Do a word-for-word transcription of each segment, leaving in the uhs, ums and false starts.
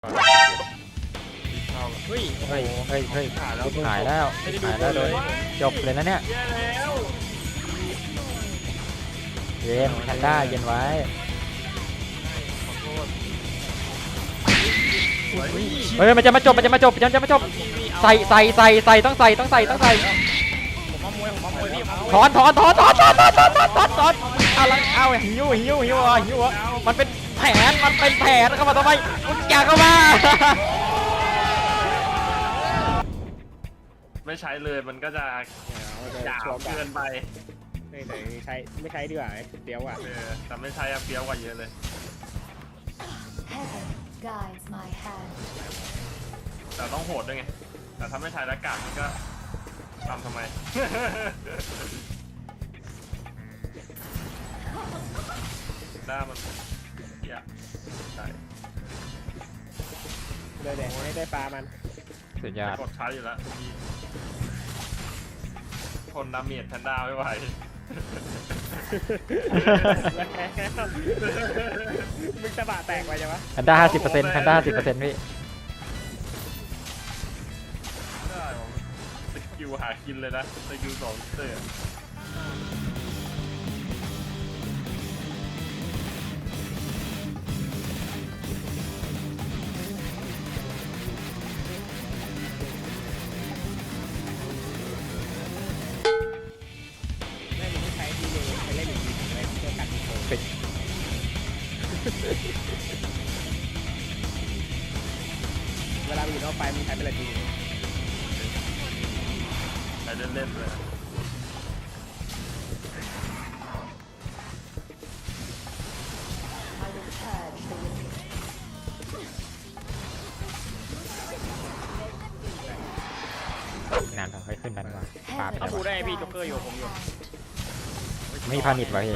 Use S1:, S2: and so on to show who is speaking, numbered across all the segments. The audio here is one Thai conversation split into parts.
S1: เฮ้ย
S2: เฮ้ยเฮ้ยเฮ้ย
S1: หายแล้ว
S2: หายแล้วหายแล้วโดนจบเลยนะเนี่ย
S1: แย่แล้ว
S2: เย็นแพนด้าเย็นไว้
S1: ขอโทษ
S2: เฮ้ยมันจะมาจบมันจะมาจบมันจะมาจบใส่ใส่ใส่ใส่ต้องใส่ต้องใส่ต้องใส่
S1: ผมมามวยผมมามวยพี่
S2: ถอนถอนถอนถอนถอนถอนถอนถอนถอนถอนอะไรเอาหิวหิวหิวอ่ะหิวอ่ะมันเป็นแผนมันเป็นแผนเข้ามาทำไมมึงแกเข้ามา
S1: ไม่ใช้เลยมันก็จะหยาบเกินไป
S3: ไม่ไหนใช้ไม่ใช้ดีกว่าเดี๋ยวอ่ะ
S1: เออแต่ไม่ใช้อะเฟี้ยวกว่าเยอะเลย
S4: Heaven guides my hand.
S1: แต่ต้องโหดด้วยไงแต่ถ้าไม่ใช้แล้วกาดมันก็ทำทำไม หน้ามันอยากใช่
S3: เลยแดงให้ได้ปลามัน
S2: สุดยอด
S1: กดใช้อยู่แล้วมีทนดาเมจแพนด้าไม่ไหว
S3: มึงสะบะแตกไปยังวะ
S2: แพนด้าห้าสิบเปอร์เซ็นต์แพนด้าห้าสิบเปอร์เซ็นต์พี่
S1: ได้ผมสกิลหากินเลยนะสกิลสองเตอร์
S3: ไม่มึงไม่ใช้ดีเลยใช้เล่นอย่างนี้อะไรเพื่อกันโกงเวลามึงอยู่นอกไฟมึงใช้เป็นอะไรดี
S1: ใช้เล่นๆเลย
S4: I will purge the wicked.
S2: นานไปค่อยขึ้นดันกว่าปาไป
S4: Heaven
S2: แล้ว
S3: พูดได้พี่จ็อกเกอร์อยู่ผมอยู่
S2: ไม่พานิดไว้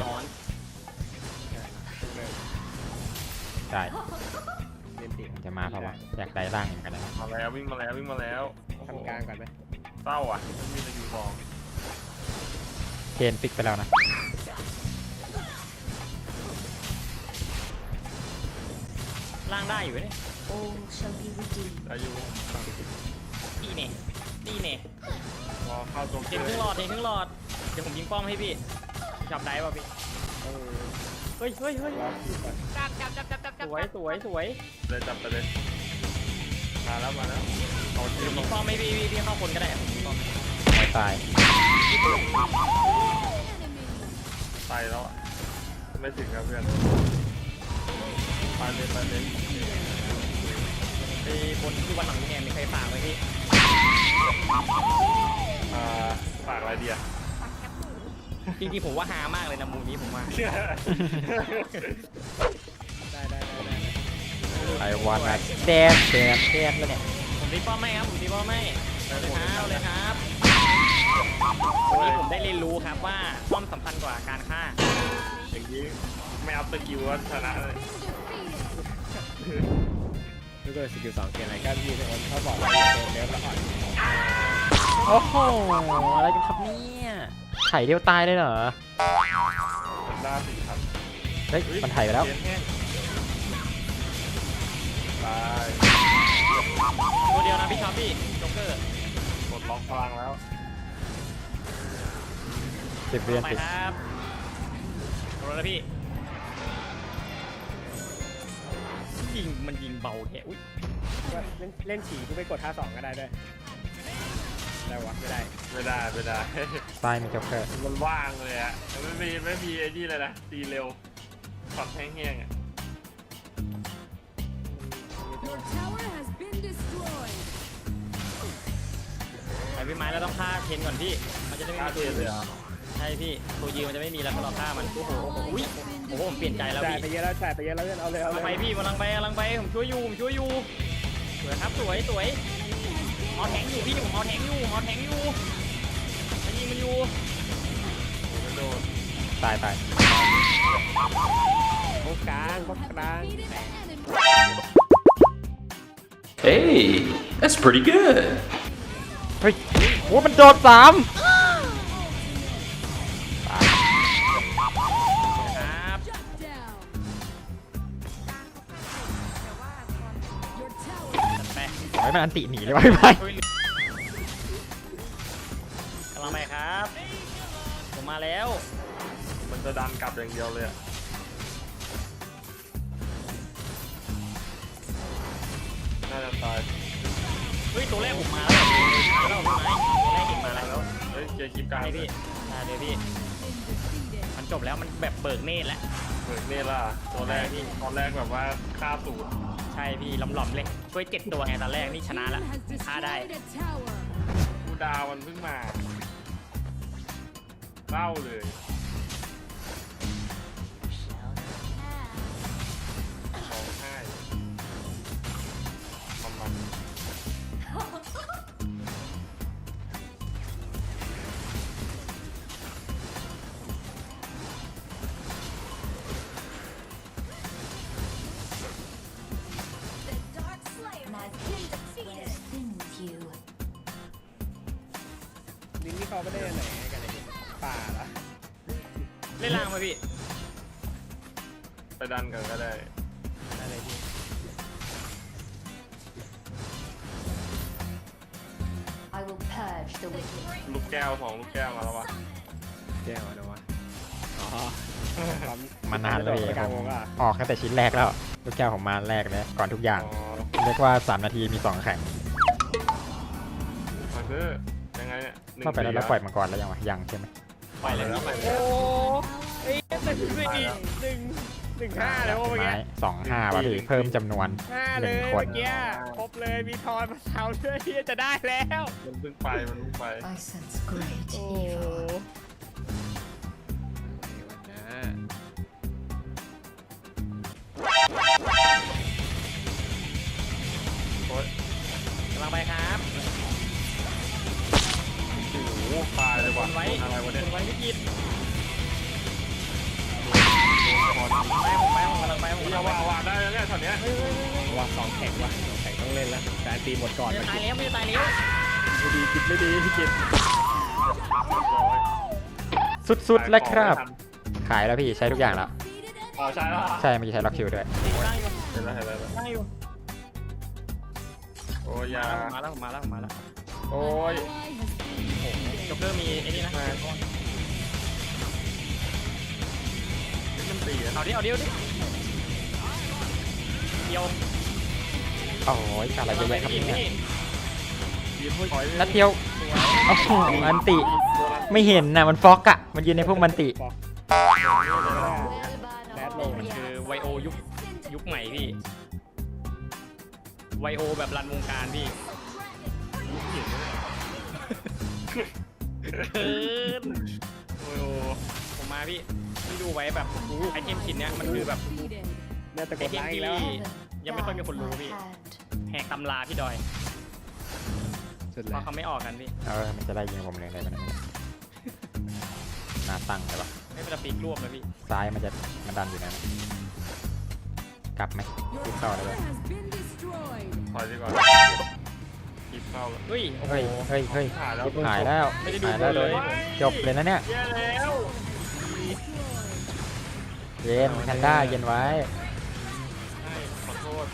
S2: ได้
S3: เล่นติด
S2: จะมาเพราะว่าอยากได้ร่างเหมือนกันนะ
S1: มาแล้ววิ่งมาแล้ววิ่งมาแล้วโอ้โห
S3: ทำกลางก่อนไหม
S1: เศร้าอ่ะไม่มีสกิลสอง
S2: เทนฟิกไปแล้วนะ
S5: ล่างได้อยู่เนี่ย
S4: all shall be redeemed.
S1: อายุ
S5: ตีเนี่ยตีเนี่ย
S1: พอเข้าตัว
S5: เทนครึ่งหลอดเทนครึ่งหลอด เดี๋ยวผมยิงป้อมให้พี่จับได้ป่ะพี่
S3: เออ
S5: เฮ้ยเฮ้ยเฮ้ย
S3: รอคิวก่อน
S5: จับจับจับจับจับสวยสวยสวย
S1: เลยจับไปเลยมาแล้วมาแล้วเอาที
S5: เดี๋ยว
S1: ม
S5: ยิงป้อมให้พี่พี่พี่เข้าคนก็ได้ผมยิงป้อม
S2: ไม่ตาย
S1: ไปแล้วอะไม่ถึงครับเพื่อนไปเลยไปเลย
S5: ไปบนที่วันหลังนี่เนี่ยมีใครฝากไหมพี่
S1: อ่าฝากอะไรเดีย
S5: จริงๆผมว่าฮามากเลยนะมูนี้ผมว่า
S3: ได้ได้ได้ได้
S2: ไอวันนะแดนแดนแดนแล้วเนี่ย
S5: ผมตีป้อมไม่ครับผมตีป้อมไม่เอาเลยครับเอาเลยครับวันนี้ผมได้เรียนรู้ครับว่าป้อมสำคัญกว่าการฆ่า
S1: อย่างนี้ไม่เอาสกิลว่าชนะเลย
S3: ดูตัวสกิลสองเกียร์อะไรก็พี่ทุกคนเขาบอกว่าโดนเลี้ยวแล้วอ่อน
S2: โอ้โหอะไรกันครับเนี่ยไถ่เดียวตายเลยเหรอ
S1: หน้าสี่ครับ
S2: เฮ้ยมันไถ่ไปแล้ว
S1: เกมแห้งตาย
S5: ตัวเดียวนะพี่ช็อปพี่โจ๊กเกอร์
S1: กดล็อกพลังแล้ว
S2: สิบเรียน
S5: ไป
S2: ติด
S5: ครับโดนแล้วพี่ยิงมันยิงเบาแท้อุ้ย
S3: เล่นเล่นฉี่กูไปกดท่าสองก็ได้ด้วยได้วะไม่ได้
S1: ไม่ได้ไม่ได้
S2: ใต้มีจ็อกเกอร์
S1: มันว่างเลยอะไม่มีไม่มีไอ้นี่เลยนะตีเร็วช็อตแห้งๆอะ
S6: Your tower has been destroyed.
S5: ไอพี่ไม้เราต้องฆ่าเทนก่อนพี่มันจะได้ไม่
S1: กล้า
S5: มี
S1: เที
S5: ตัวย ยื
S1: นเลย
S5: น
S1: เหรอ
S5: ใช่พี่ตัวยืนมันจะไม่มีแล้วพอเราฆ่ามันโอ้โหอุ้ยโอ้โหผมเปลี่ยนใจแล้ว
S3: จ่ายไป
S5: พี่
S3: เยอะแล้วจ่ายไปเยอะแล้วเพื่อนเอาเลยเอา
S5: กำ
S3: เล
S5: ลังไป
S3: ย
S5: พี่กำลังไปกำลังไปผมช่วยอยู่ผมช่วยอยู่สวยครับสวยสวยเอาแทงอยู่พี่ผมเอาแทงอยู่เอาแทงอยู่มันยิงมันอยู่
S1: ไม่โดน
S2: ตายตาย
S3: โค้งกลางโค้งกลาง
S7: Hey, that's pretty good.
S2: เฮ้ยโอ้มันโดดสาม
S5: ครับ
S6: Shut down. Your
S2: ว้มันอันติหนีเลยไว้ไป
S5: กำลังไปครับ ผมมาแล้ว
S1: มันจะดันกลับอย่างเดียวเลยอะน่าจะตาย
S5: เฮ้ยตัวแรกผมมาแล้วมาแล้วมาตัวแรกเห็นมาแล้ว
S1: เฮ้ยเจอคลิปกลาง
S5: ใช่พี่ใช่เลยพี่ มันจบแล้วมันแบบเบิกเนตรแล้ว
S1: เบิกนี่ล่ะตัวแรก
S5: พี่
S1: ตอนแรกแบบว่าฆ่าสูตร
S5: ใช่พี่หลอมๆเลย ช่วยเจ็ดตัวไงตอนแรกนี่ชนะละ
S6: Has
S5: ฆ่าได้
S6: destroyed a tower.
S1: กูดาวมันเพิ่งมาเศร้าเลยร้องไห้มันมัน
S3: ลิงนี่เขาไม่ได้ไหนกันเลยป่าเหรอ
S5: เล่นล่างมาพี่
S1: ไปดันกันก็ได้
S5: อะไรพี่
S4: I will purge the wicked.
S1: ลูกแก้วสองลูกแก้วมาแล้ววะ
S3: แก้วนะวะอ๋อ
S2: มานานแล้วพี่
S3: กลาง
S2: ผ
S3: ว
S2: ม
S3: งอ่ะ
S2: ออกตั้งแต่ชิ้นแรกแล้วลูกแก้วผมมาแรกเลยก่อนทุกอย่าง
S1: อ๋อ
S2: เรียกว่าสามนาทีมีสองแข่ง
S1: มันคือยังไงเนี่ยหนึ่ง
S2: เข้าไปแล้ว
S1: สี่
S2: แล้วปล่อยมังกรแล้วยังวะยังใช่ไหม
S5: ปล่อยเลย
S1: แล้ว
S5: พี่
S1: ไป
S3: โอ้เอ้ยหนึ่งหนึ่งหนึ่งหนึ่งห้าแล้วเมื่อกี้
S2: ไม้สองห้าว่ะพี่เพิ่มจำนวน
S3: ห้าเลย
S2: หนึ่งคน
S3: เมื่อกี้ครบเลยมีทอนมาเท้าด้วยที่จะได้แล้ว
S1: มันเพิ่งไปมันเพิ่งไป
S4: I sense great
S3: โอ้
S4: evil.
S1: โอ๊ย
S5: กำลังไปครับ
S1: โอ้โหตายเลย
S5: ค
S1: ว่ะ
S5: นไว้
S1: อะไรวะเนี่ย
S5: คนไว้พี่กิน
S1: โดน
S5: ไปผมไปผมกำลังไปผม
S1: นี่
S5: กำลั
S1: เอา
S5: งไป
S1: ว่าวาได้แล้วเนี่ยตอนเนี้ย
S3: ว่าสองแข่งว่ะสองแข่งต้องเล่นแล้วแต่ตีหมดก่อน
S5: ไม่
S3: ไม่
S5: ตายแล้วไม่ตายแล้ว
S3: ดีคิดไม่ดีพี่กิน
S2: สุดๆแล้วครับ ขายแล้วพี่ใช้ทุกอย่างแล้ว
S1: อ๋อใช่แล้ว
S2: ใช่เมื่อกี้ใช้ล็อกคิวด้วย
S5: ได้อยู่
S1: เห็นแล้วเห็นแล้ว
S5: ได้อยู่
S1: โอ้ยยา
S5: มาแล้วมาแล้วมาแล้ว
S1: โอ้ย
S5: จ็อกเกอร์มีไอ้นี่นะ
S1: นี่มันตีอะ
S5: เอาดิเอาดิเอาดิเดียว
S2: โอ้ยอะไรเยอะแยะครับ
S5: พี่
S2: เนี่ย
S5: พี่
S1: ยืนถอย
S2: นัดเดียวโอ้โหอันติไม่เห็นนะมันฟอกอะมันยืนในพวกมันติ
S3: แรดโล
S5: มันคือไวโอยุคยุคใหม่พี่ไวโอแบบรันวงการพี่เกิน
S1: โอ้ยโอ้
S5: ผมมาพี่พี่ดูไว้แบบไอเทมชิ้นเนี้ยมันคือแบบ
S3: น่าจะก
S5: ไอ
S3: ด
S5: เทม
S3: ล้างอี
S5: ที่
S3: กแล้ว
S5: ยังไม่ค่อยมีคนรู้พี่ แหกตำราพี่ดอย
S3: สุด
S5: เพ
S3: แล้ว
S5: ราะเขาไม่ออกกันพี่
S2: เออมันจะไล่ยิงผมเลยได้ไหมเนี่ยหน้าตั้งเลยปะ
S5: ไม่เป็นปีกรวบเลยพี่
S2: ซ้ายมันจะมันดันอยู่นะกลับไหม
S6: Your
S2: คิดต่อ
S6: tower
S2: เลย
S6: has been destroyed.
S1: ถอยดีกว่าคิดเข้าแล้ว
S5: เฮ้ยโอ้โห
S2: เฮ้ยเฮ้ยเฮ้ย
S1: หายแล้ว
S2: หายแล้ว
S5: ไม่ได้ดู
S2: หายแล้ว
S5: เลย
S2: จบเลยนะเนี่ย
S1: แย่แล้ว
S2: เย็นแพนด้าเย็นไว้
S1: ขอโทษ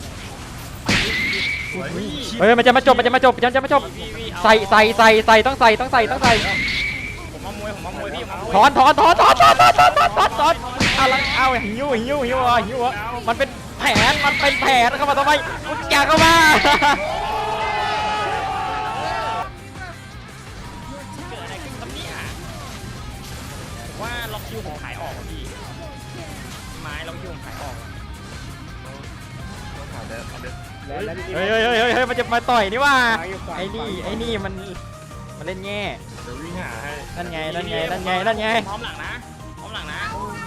S2: เฮ้ยมันจะมาจบมันจะมาจบมันจะมาจบ
S5: พี่พี่เอา
S2: ใส่ใส่ใส่ใส่ต้องใส่ต้องใส่ต้องใส่
S5: ผมมามวยผมมามวยพี่ผมมามวย
S2: ถอนถอนถอนถอนถอนถอนถอนถอนถอนถอนอะไรเอาหิวหิวหิวอ่ะหิวอ่ะมันเป็นแผนมันเป็นแผนเข้ามาทำไมมึงอย่าเข้ามา
S5: เกิดอะไรขึ้นครับเนี่ยผมว่าล็อกคิวผมขายออกอะพี่ไม้ล็อกคิวผมขายออกอะ
S1: ต้องหาแดดเอาเด็ด
S3: แล้วแล้วพี่กิน
S2: เฮ้ยเฮ้ยเฮ้ยเฮ้ยเฮ้ยมันจะมาต่อยนี่ว่า
S3: ฟังอยู่ฟัง
S2: ไอ้นี่
S3: ฟัง
S2: ไอ้นี่มันมันเล่นแง่
S1: เดี๋ยววิ่งหาให้
S2: นั่นไงนั่นไงนั่นไงนั่นไง
S5: พร้อมหลังนะพร้อมหลังนะ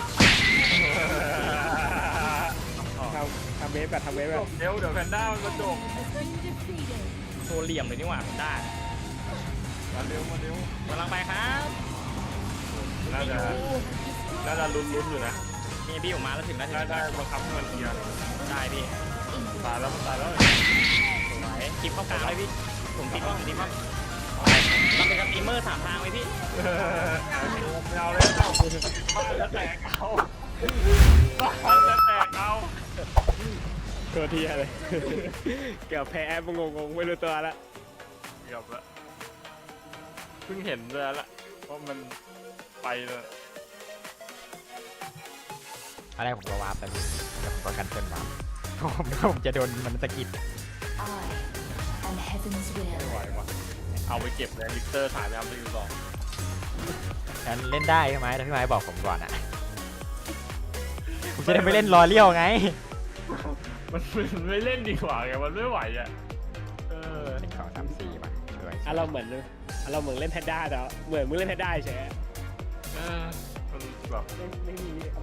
S3: ทำทำเวฟแบบทำเวฟแบบ
S1: เดี๋ยวเดี๋ยวแพนด้ามันมาจบ
S6: Has been defeated.
S5: โชว์เหลี่ยมเลยนี่หว่าผมได้
S1: มาเร็วมาเร็ว
S5: กำลังไปครับ
S1: น่าจะน่าจะลุ้นลุ้นอยู่นะ
S5: นี่พี่ผมมาแล้วถึงแล้วถึง
S1: ได้
S5: แล้ว
S1: ได้บังคับให้มันเคลียร์
S5: ได้พี่
S1: ตายแล้วมันตายแล้ว
S5: สวยคลิปเข้ากลางเลยพี่ผมติดว่าผมติดว่าเราเป็นสตรีมเมอร์สามทางไหมพี่
S1: ไม่เอาเลยเจ้าบ้านจะแตกเอาบ้านจะแตกเอา
S3: ตัวทีอะไร เกือบแพ้มึงงงๆไม่รู้ตัวละ
S1: เกือบละเพิ่งเห็นเลยละว่ามันไปเลย
S2: อะไรผมก็วาร์ปไปพี่แล้วผมก็กันเติ้ลวาร์ปผมผมจะโดนมันสะกิด
S4: I am heaven's
S1: ไม่ไหว
S4: will.
S1: วะเอาไปเก็บเลยลิกเตอร์ถ่ายไปทำรีวิวต่อ
S2: งั้นเล่นได้ใช่ไหมแต่พี่ไม้บอกผมก่อนอ่ะผมจะได้ไม่เล่นรอเลี้ยวไง
S1: มันมันไม่เล่นดีกว่าไงมันไม่ไหวอ่ะเออ
S2: หนึ่งสองสามสี่มาสวย
S3: อ่ะเราเหมือนอ่ะเราเหมือนเล่นแพนด้าแต่ว่าเหมือนมึงเล่นแพนด้าเฉย
S1: เออมันแบบ
S3: ไม่ไม่มี